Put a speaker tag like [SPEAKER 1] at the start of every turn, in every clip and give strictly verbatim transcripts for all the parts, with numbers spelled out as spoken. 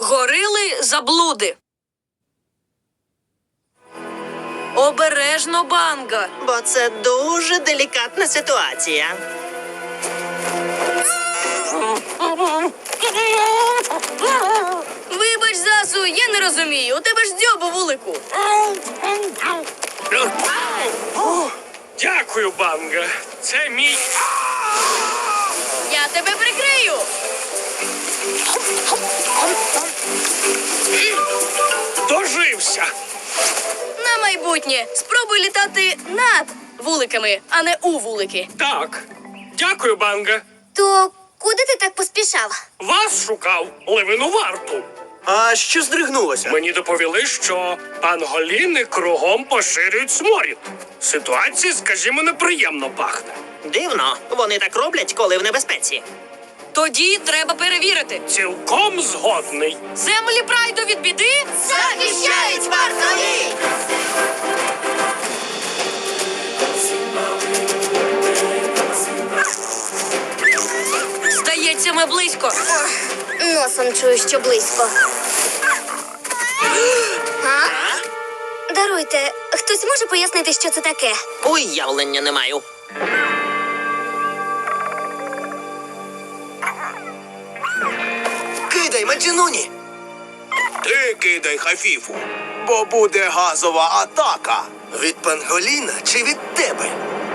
[SPEAKER 1] Горили заблуди. Обережно, Банга.
[SPEAKER 2] Бо це дуже делікатна ситуація.
[SPEAKER 1] Вибач, Засу, я не розумію. У тебе ж дзьобу вулику.
[SPEAKER 3] Дякую, Банга. Це мій...
[SPEAKER 1] Я тебе прикрию.
[SPEAKER 3] Дожився.
[SPEAKER 1] На майбутнє спробуй літати над вуликами, а не у вулики.
[SPEAKER 3] Так. Дякую, Банга.
[SPEAKER 4] То куди ти так поспішав?
[SPEAKER 3] Вас шукав Левину варту.
[SPEAKER 2] А що здригнулося?
[SPEAKER 3] Мені доповіли, що панголіни кругом поширюють сморід. Ситуація, скажімо, неприємно пахне.
[SPEAKER 2] Дивно, вони так роблять, коли в небезпеці.
[SPEAKER 1] Тоді треба перевірити.
[SPEAKER 3] Цілком згодний.
[SPEAKER 1] Землі прайду від біди
[SPEAKER 4] Захищають вартові!
[SPEAKER 1] Здається, ми близько.
[SPEAKER 4] Носом чую, що близько. А? Даруйте, хтось може пояснити, що це таке?
[SPEAKER 2] Уявлення не маю.
[SPEAKER 5] Кидай, Маджинуні! Ти кидай, Хафіфу, бо буде газова атака. Від панголіна чи від тебе?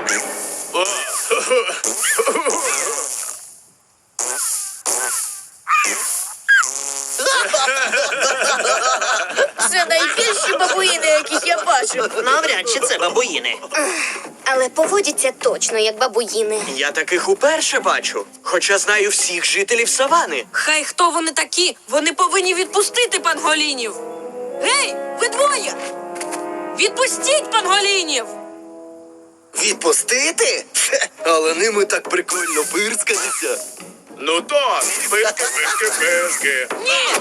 [SPEAKER 1] Це найбільші бабуїни, яких я бачив.
[SPEAKER 2] Навряд чи це бабуїни.
[SPEAKER 4] Але поводяться точно, як бабуїни.
[SPEAKER 6] Я таких уперше бачу, хоча знаю всіх жителів савани.
[SPEAKER 1] Хай хто вони такі, вони повинні відпустити панголінів. Гей, ви двоє! Відпустіть панголінів!
[SPEAKER 5] Відпустити? Хе, але ними так прикольно пирскатися.
[SPEAKER 3] Ну так, пишки, пишки, пишки.
[SPEAKER 1] Ні!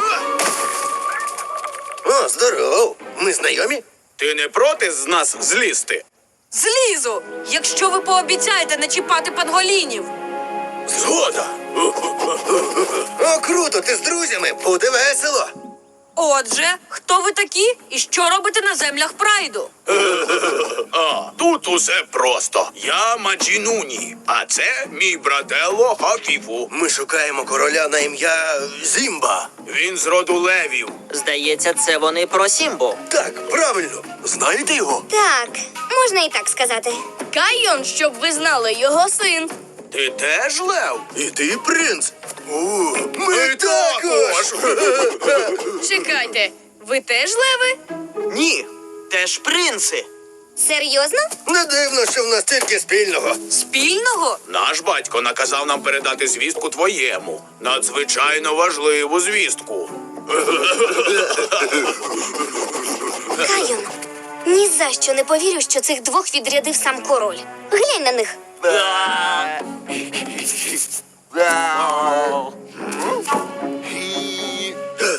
[SPEAKER 5] О, здоров. Ми знайомі?
[SPEAKER 3] Ти не проти з нас злізти?
[SPEAKER 1] Злізу, якщо ви пообіцяєте не чіпати панголінів.
[SPEAKER 5] Згода. О, круто, ти з друзями, буде весело.
[SPEAKER 1] Отже, хто ви такі і що робите на землях прайду?
[SPEAKER 7] А, тут усе просто. Я Маджінуні, а це мій брателло Хафіфу.
[SPEAKER 5] Ми шукаємо короля на ім'я Зімба.
[SPEAKER 7] Він з роду левів.
[SPEAKER 2] Здається, це вони про Сімбу.
[SPEAKER 5] Так, правильно. Знаєте його?
[SPEAKER 4] Так, можна і так сказати.
[SPEAKER 1] Кайон, щоб ви знали, його син.
[SPEAKER 7] Ти теж лев?
[SPEAKER 5] І ти принц? О, ми також.
[SPEAKER 1] Чекайте, ви теж леви?
[SPEAKER 6] Ні, теж принци.
[SPEAKER 4] Серйозно?
[SPEAKER 5] Не дивно, що в нас тільки спільного.
[SPEAKER 1] Спільного?
[SPEAKER 7] Наш батько наказав нам передати звістку твоєму. Надзвичайно важливу звістку.
[SPEAKER 4] Кайон, ні за що не повірю, що цих двох відрядив сам король. Глянь на них.